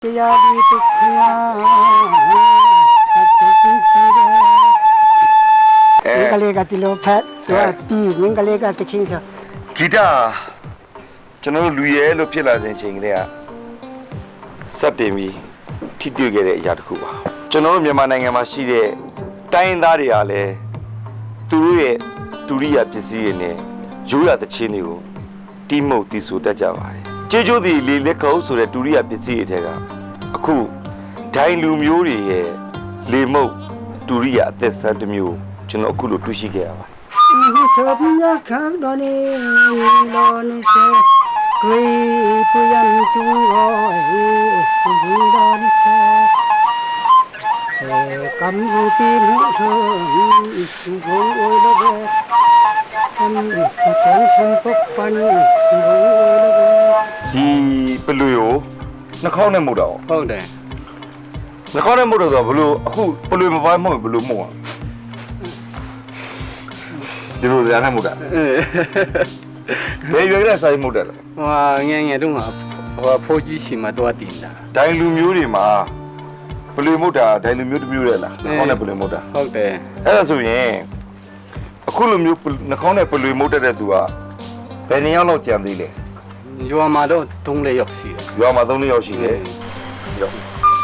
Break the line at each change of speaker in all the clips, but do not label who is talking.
တရားဒီတချာကလေးကတီလိုဖတ်သူကတီမင်းကလေးကတချင်းဆို
ဂီတာကျွန်တော်လူရဲလို့ဖြစ်လာစဉ်ချိန်ကလေးကစက်တင်ပြီးထိတွေ့ခဲ့တဲ့အရာတစ်ခုပါကျွန်တော်တို့မြန်မာနိုင်ငံမှာရှိတဲ့တိုင်းသားတွေကလည်းသူတို့ရဲ့ဒုရိယပစ္စည်းတွေနဲ့ရိုးရာသချင်းတွေကိုတီးမှုတ်တီးဆိုတတ်ကြပါတယ်ကျေးကျိုးသည်လေလက်ခုပ်ဆိုတဲ့ဒုရိယပစ္စည်းတွေထဲကအခုဒိုင်လူမျိုးတွေရဲ့လေမုတ်ဒုရိယအသက်ဆန်းတစ်မျိုးကျွန်တော်အခုလိုတွေ့ရှိခဲ့ရပါတယ်
ဒီဆိုပညာခံတော်နေလောနေစေဂွေပူယံကျုံရောဒီတော်နေစေကံဘူပီမှုဆိုဘုံအိုလောပဲကံချေရှင်ပုပ္ပန်ဘုံအိုလောပဲ
ဒီပလူကိုနှာခေါင်းနဲ့မှုတ်တော့
ဟုတ်တယ်
နှာခေါင်းနဲ့မှုတ်တော့ဆိုဘလို့အခုပလူမပိုင်းမဟုတ်ဘလို့မှုတ်อ่ะဒီလိုရမ်းမှုတ်တာဘယ်ရွယ်ကစားမှုတ်တယ်လဲ
ဟိုငယ်တုန်းကဖိုးကြီးစီမှာတော့တင်တာ
ဒိုင်လူမျိုးတွေမှာပလူမှုတ်တာဒိုင်လူမျိုးတစ်မျိုးလေလားနှာခေါင်းနဲ့ပလူမှုတ်တာ
ဟုတ်တယ်
အဲ့ဒါဆိုရင်အခုလိုမျိုးနှာခေါင်းနဲ့ပလူမှုတ်တဲ့သူကဘယ်နှစ်ယောက်လောက်ကြံသေးလဲ
ရွာမှာတော့3-4ယောက်ရှိတယ်
ရွာမှာ3-4ယောက်ရှိတယ်ရော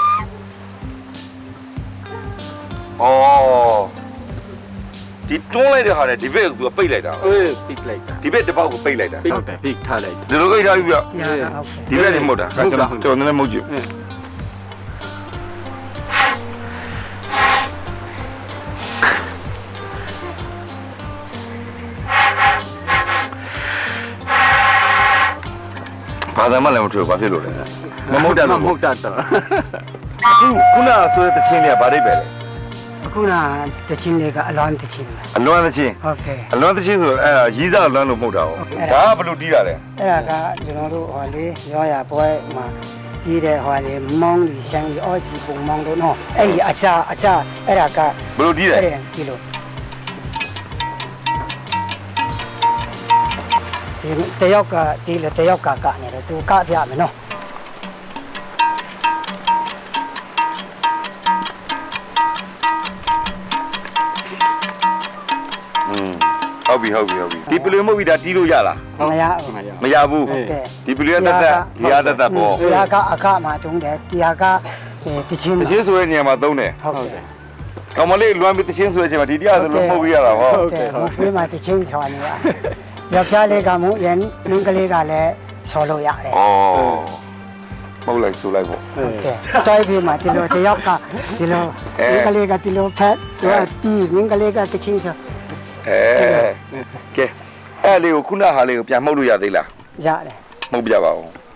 အော်ဒီတွန်းလိုက်တဲ့ဟာနဲ့ဒီဘက်ကသူကပိတ်လိုက်တာ
အေးပိတ်လိုက်တာ
ဒီဘက်တစ်ပေါက်ကိုပိတ်လိုက်တာ
ဟုတ်တယ်ပိတ်ထားလိုက်
ဒီလိုပိတ်ထားပြီဗျဒီဘက်နေမဟုတ်တာကျွန်တော်နည်းနည်းမဟုတ်ကြည့်ဘာသာမှလည်းမထွေဘာဖြစ်လို့လဲမမဟုတ်တယ်
မဟုတ်တာတော့
ခုနဆိုတဲ့တခြင်းတွေကဘာတွေပဲလဲ
အခုနတချင်းတွေကအလွမ်းတချင်း
အလွမ်းတချင်း
ဟုတ်ကဲ့
အလွမ်းတချင်းဆိုအဲ့ဒါရီးစားအလွမ်းလို့မဟုတ်တာဟုတ်ဒါကဘယ်လိုတီးတာလဲ
အဲ့ဒါကကျွန်တော်တို့ဟိုလေရောရပွဲမှာတီးတဲ့ဟိုလေမောင်းလီရှမ်းလီအော်ကြီးပုံမောင်းတို့နော်အဲ့ဒီအချအဲ့ဒါက
ဘယ်လိုတီးလဲ
ဒီလိုတယောက်ကတီးလေတယောက်ကကနေတယ်သူကပြမယ်နော်
ဟုတ်ပြီဒီပလူမဟုတ်ပြီဒါတီးလို့ရလားမရဘူးဒီပလူရတတ်ဒီရတတ်ပေါ့
ဒီဟာကအခမှာတုံးတယ်ဒီဟာကတချင်း
ဆိုတဲ့နေရာမှာသုံးတယ်
ဟုတ်တယ်
ကောင်မလေးလွမ်းပြီးတချင်းဆိုတဲ့အချိန်မှာဒီတရားဆိုလို့မှုတ်ပြရတာပေါ့
ဟုတ်တယ်ဖေးမှာတချင်းဆိုနေရယောက်ျားလေးကမို့ရန်မင်းကလေးကလည်းဆော်လို့ရတယ်
ဩမဟုတ်လိုက်ဆိုလိုက်ပေါ့
ဟုတ်တယ်တိုက်ပြီးမှဒီလိုတယောက်ကဒီလိုမင်းကလေးကဒီလိုဖက်သူကတီးမင်းကလေးကတချင်းဆို
ကဲအဲ့လေးကိုခုနဟာလေးကိုပြန်မှုတ်လို့ရသေးလား
ရတယ်
မှုတ်ပြပါဦး